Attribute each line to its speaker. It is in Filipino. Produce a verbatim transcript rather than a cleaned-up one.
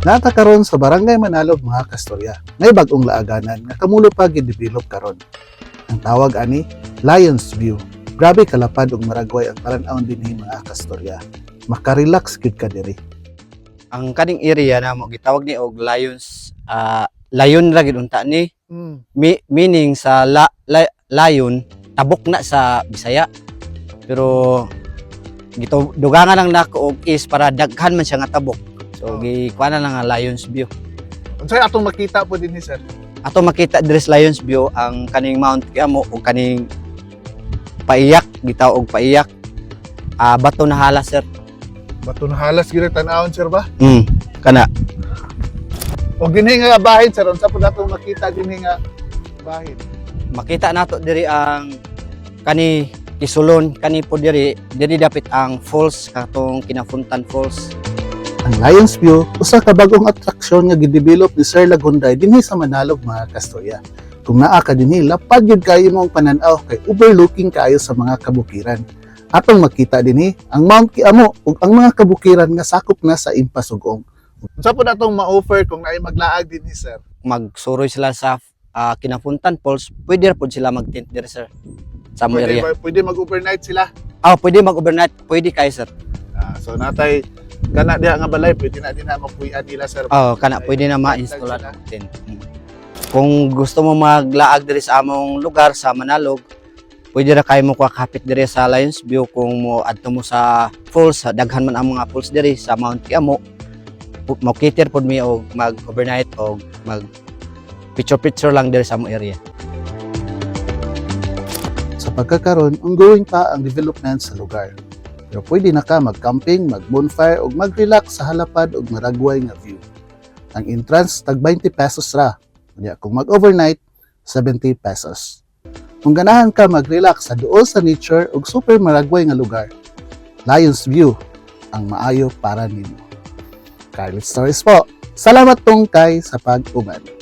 Speaker 1: Nata karon sa Barangay Manalog mga kastorya. May bag-ong laaganan nga kamulo pa gidevelop karon. Ang tawag ani Lions View. Grabe kalapad ug maragway ang paran-awon dinhi mga kastorya. Maka-relax gid ka diri.
Speaker 2: Ang kaning area na mo gitawag ni og Lions uh, Lion ra gid unta ni.
Speaker 1: Mm.
Speaker 2: Mi, meaning sa la, la, lion tabok na sa Bisaya. Pero gito dugangan lang nako og is para daghan man siya nga tabok. So,
Speaker 1: Oh.
Speaker 2: gikuha na lang nga Lions View.
Speaker 1: Unsay atong makita po dinhi sir?
Speaker 2: Ato makita diri sa Lions View ang kaning Mount Kiamo o kaning paiyak, gitaw og paiyak. Ah, bato na hala sir.
Speaker 1: Baton halas gid tan-awon sir ba?
Speaker 2: Mm, kana.
Speaker 1: Og dinhi nga bahin sir, unsa po natong makita dinhi nga bahin?
Speaker 2: Makita nato diri ang kani Kisulon, kani po diri, diri dapit ang falls katong Kinafuntan Falls.
Speaker 1: Ang Lions View, usa ka bagong atraksyon nga gidevelop ni Sir Lagunday dinhi sa Manalog mga kastorya. Kung naa ka dinhi, lapad gyud kayo mong panan-aw kay overlooking kayo sa mga kabukiran. Atong makita dinhi ang Mount Kiamo ug ang mga kabukiran nga sakop na sa Impasugong. Unsa po natong ma-offer kung naay maglaag dinhi sir?
Speaker 2: Magsuroy sila sa ah, Kinafuntan Falls, pwede ra pud sila mag-tent diri sir. Sa mo
Speaker 1: Pwede,
Speaker 2: area.
Speaker 1: ba- pwede mag-overnight sila.
Speaker 2: Ah, pwede mag-overnight, pwede kayo sir.
Speaker 1: Ah, so natay kana diha nga balay pwede na din na mapuy-an nila sir.
Speaker 2: Oh, kana pwede na ma-install ang tent. Mm. Kung gusto mo maglaag diri sa among lugar sa Manalog, pwede ra kayo mo kapit diri sa Lions View kung mo adto mo sa falls, sa daghan man ang mga falls diri sa Mount Kiamo. Mo cater pod mi og mag-overnight og mag picture picture lang diri sa among area.
Speaker 1: Sa pagkakaroon, ongoing pa ang development sa lugar. Pero pwede na ka mag-camping, mag-bonfire o mag-relax sa halapad o maragway nga view. Ang entrance, tag twenty pesos ra. Kaya kung mag-overnight, seventy pesos. Kung ganahan ka mag-relax sa duol sa nature o super maragway nga lugar, Lions View ang maayo para nimo. Carly Stories po. Salamat tong kay sa pag-uban.